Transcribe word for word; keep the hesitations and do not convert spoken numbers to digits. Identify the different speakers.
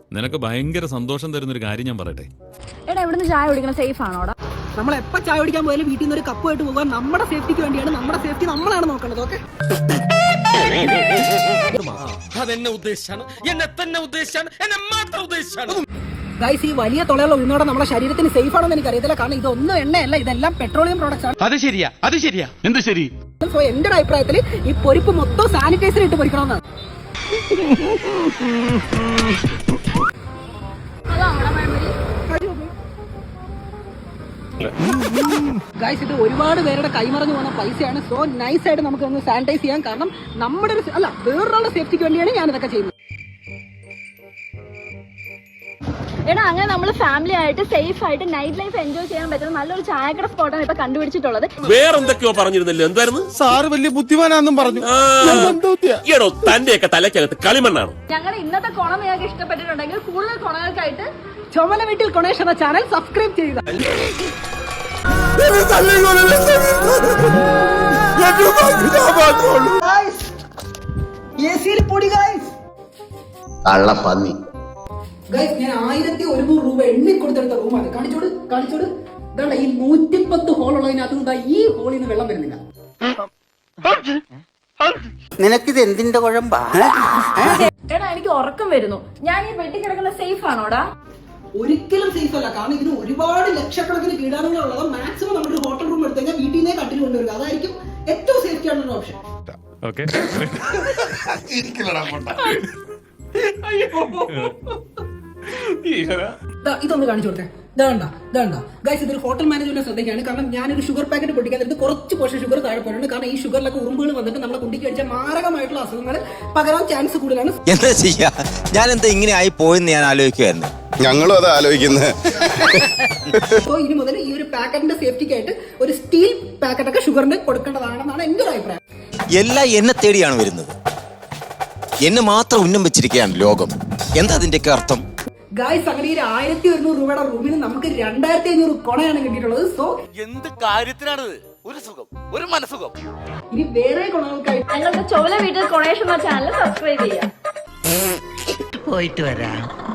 Speaker 1: നിനക്ക് ഭയങ്കര സന്തോഷം തരുന്നൊരു കാര്യം ഞാൻ പറയട്ടെ.
Speaker 2: എടാ ഇവിടുന്ന് ചായ കുടിക്കണ സേഫ് ആണോടാ?
Speaker 3: നമ്മൾ എപ്പോൾ ചായ കുടിക്കാൻ പോയാലും വീട്ടിൽ നിന്ന് ഒരു കപ്പുമായിട്ട് പോകാൻ നമ്മുടെ സേഫ്റ്റിക്ക് വേണ്ടിയാണ്. നമ്മുടെ സേഫ്റ്റി നമ്മളാണ് നോക്കേണ്ടത്. ഓക്കെ,
Speaker 4: അതെന്നെ ഉദ്ദേശിച്ചാണ്, എന്നെ തന്നെ ഉദ്ദേശിച്ചാണ്, എന്നെ മാത്രം ഉദ്ദേശിച്ചാണ്.
Speaker 3: ഗൈസ്, ഈ വലിയ തുളയുള്ള ഉഴുന്നോടെ നമ്മുടെ ശരീരത്തിന് സേഫ് ആണെന്ന് എനിക്ക് അറിയത്തില്ല. കാരണം ഇതൊന്നും എണ്ണയല്ല, ഇതെല്ലാം പെട്രോളിയം പ്രോഡക്ട്സ് ആണ്.
Speaker 4: അത് ശരിയാ, അത് ശരിയാ. എന്ത് ശരി?
Speaker 3: സോ എന്റെ അഭിപ്രായത്തിൽ ഈ പൊരിപ്പ് മൊത്തം സാനിറ്റൈസർ ഇട്ട് പൊരിക്കണമെന്നാണ്. ഗൈസ്, ഇത് ഒരുപാട് പേരുടെ കൈമറഞ്ഞു പോകുന്ന പൈസയാണ്. സോ നൈസ് ആയിട്ട് നമുക്ക് ഒന്ന് സാനിറ്റൈസ് ചെയ്യാം. കാരണം നമ്മുടെ ഒരു അല്ല വേറൊരാളുടെ സേഫ്റ്റിക്ക് വേണ്ടിയാണ് ഞാൻ ഇതൊക്കെ ചെയ്യുന്നത്.
Speaker 2: എടാ അങ്ങനെ നമ്മൾ ഫാമിലി ആയിട്ട് സേഫ് ആയിട്ട് നൈറ്റ് ലൈഫ് എൻജോയ് ചെയ്യാൻ പറ്റുന്ന നല്ലൊരു ചായക്കട സ്പോട്ടാണ് ഇപ്പൊ കണ്ടുപിടിച്ചിട്ടുള്ളത്.
Speaker 5: വേറെന്തൊക്കെയോ പറഞ്ഞിരുന്നല്ലോ, എന്തായിരുന്നു?
Speaker 4: സാറ് വലിയ ബുദ്ധിമാനാന്നും പറഞ്ഞു.
Speaker 5: ഈടോ തന്റെയൊക്കെ തലക്കകത്ത് കളിമണ്ണാണ്.
Speaker 2: ഞങ്ങളുടെ ഇന്നത്തെ കൊണ നിങ്ങൾക്ക് ഇഷ്ടപ്പെട്ടിട്ടുണ്ടെങ്കിൽ കൂടുതൽ കൊണകൾക്കായിട്ട്
Speaker 3: ചുമല വീട്ടിൽ കൊണേഷ് എന്ന ചാനൽ സബ്സ്ക്രൈബ് ചെയ്യുക.
Speaker 6: കള്ളപ്പന്നി
Speaker 3: ഗൈസ്, ഞാൻ ആയിരത്തി ഒരുന്നൂറ് രൂപ എണ്ണി കൊടുത്തെടുത്ത റൂമാണ്. കാണിച്ചോട് കാണിച്ചോട് ഇതാണ് ഈ നൂറ്റിപ്പത്ത് ഹോൾ ഉള്ളതിനകത്ത് ഈ ഹോളിൽ നിന്ന് വെള്ളം വരുന്നില്ല.
Speaker 6: നിനക്കിത് എന്തിന്റെ കുഴമ്പാ?
Speaker 2: എടാ എനിക്ക് ഉറക്കം വരുന്നു. ഞാൻ ഈ വെട്ടി കിടക്കുന്ന സേഫ് ആണോടാ?
Speaker 3: ഒരിക്കലും സേഫ് അല്ല. കാരണം ഇതിന് ഒരുപാട് ലക്ഷക്കണക്കിന് കീടാണുങ്ങൾ ഉള്ളത്. മാക്സിമം നമ്മുടെ ഹോട്ടൽ റൂം എടുത്തു കഴിഞ്ഞാൽ വീട്ടിൽ നിന്നേ കട്ടിൽ കൊണ്ടുവരിക. അതായിരിക്കും ഏറ്റവും സേഫ്റ്റി ആയിട്ടുള്ള ഓപ്ഷൻ. ഇതൊന്ന് കാണിച്ചു കൊടുത്തേ. ഇതാണ്ട ഇതാണ്ട ഗൈസ്, ഇതൊരു ഹോട്ടൽ മാനേജ്മെന്റ് ശ്രദ്ധിക്കുകയാണ്. കാരണം ഞാനൊരു ഷുഗർ പാക്കറ്റ് പൊട്ടിക്കാൻ നേരത്ത് കുറച്ച് പോഷൻ ഷുഗർ താഴെ പോയിട്ടുണ്ട്. കാരണം ഈ ഷുഗറിലൊക്കെ ഉറുമ്പുകൾ വന്നിട്ട് നമ്മളെ കുട്ടിക്ക് കഴിച്ച മാരകമായിട്ടുള്ള അസുഖങ്ങൾ പകരാൻ ചാൻസ് കൂടുതലാണ്.
Speaker 7: എന്താ ചെയ്യാ, ഞാൻ എന്താ ഇങ്ങനെ ആയി പോയെന്ന് ഞാൻ ആലോചിക്കുമായിരുന്നു.
Speaker 8: ഞങ്ങളും അത് ആലോചിക്കുന്നത്.
Speaker 3: സോ ഇനി മുതൽ ഈ ഒരു പാക്കറ്റിന്റെ സേഫ്റ്റിക്കായിട്ട് ഒരു സ്റ്റീൽ പാക്കറ്റൊക്കെ ഷുഗറിന് കൊടുക്കേണ്ടതാണെന്നാണ് എന്റെ ഒരു അഭിപ്രായം.
Speaker 7: എല്ലാം എന്നെ തേടിയാണ് വരുന്നത്. എന്നെ മാത്രം ഉന്നം വെച്ചിരിക്കുകയാണ് ലോകം. എന്താ അതിന്റെയൊക്കെ അർത്ഥം?
Speaker 3: ഗായ്സ്, അങ്ങനെ ഈ ആയിരത്തി ഒരുന്നൂറ് രൂപയുടെ റൂമിന് നമുക്ക് രണ്ടായിരത്തി അഞ്ഞൂറ് കൊണയാണ് കിട്ടിയിട്ടുള്ളത്. സോ
Speaker 4: എന്ത് കാര്യത്തിനാണിത്? ഒരു സുഖം, ഒരു മനസുഖം.
Speaker 3: ഇനി വേറെ കൊണകൾക്കായി
Speaker 2: ഞങ്ങളുടെ ചോല വീട്ടിൽ കൊണേഷ് എന്ന ചാനൽ സബ്സ്ക്രൈബ് ചെയ്യാം.
Speaker 6: പോയിട്ട് വരാം.